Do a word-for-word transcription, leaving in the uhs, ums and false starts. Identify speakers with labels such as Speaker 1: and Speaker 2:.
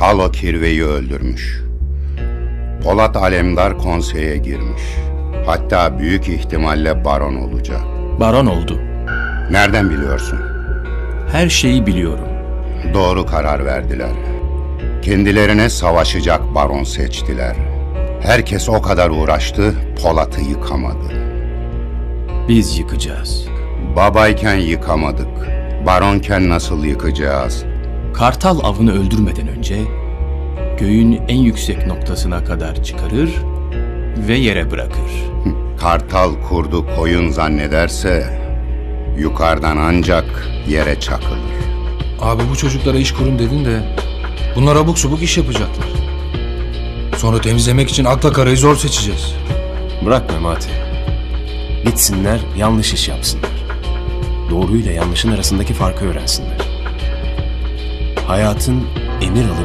Speaker 1: Halo Kirve'yi öldürmüş. Polat Alemdar konseye girmiş. Hatta büyük ihtimalle baron olacak.
Speaker 2: Baron oldu.
Speaker 1: Nereden biliyorsun?
Speaker 2: Her şeyi biliyorum.
Speaker 1: Doğru karar verdiler. Kendilerine savaşacak baron seçtiler. Herkes o kadar uğraştı, Polat'ı yıkamadı.
Speaker 2: Biz yıkacağız.
Speaker 1: Babayken yıkamadık. Baronken nasıl yıkacağız?
Speaker 2: Kartal avını öldürmeden önce göğün en yüksek noktasına kadar çıkarır ve yere bırakır.
Speaker 1: Kartal kurdu koyun zannederse yukarıdan ancak yere çakılır.
Speaker 3: Abi bu çocuklara iş kurun dedin de bunlar abuk subuk iş yapacaklar. Sonra temizlemek için akla karayı zor seçeceğiz.
Speaker 4: Bırak Memati. Gitsinler, yanlış iş yapsınlar. Doğruyla yanlışın arasındaki farkı öğrensinler. Hayatın emir alıp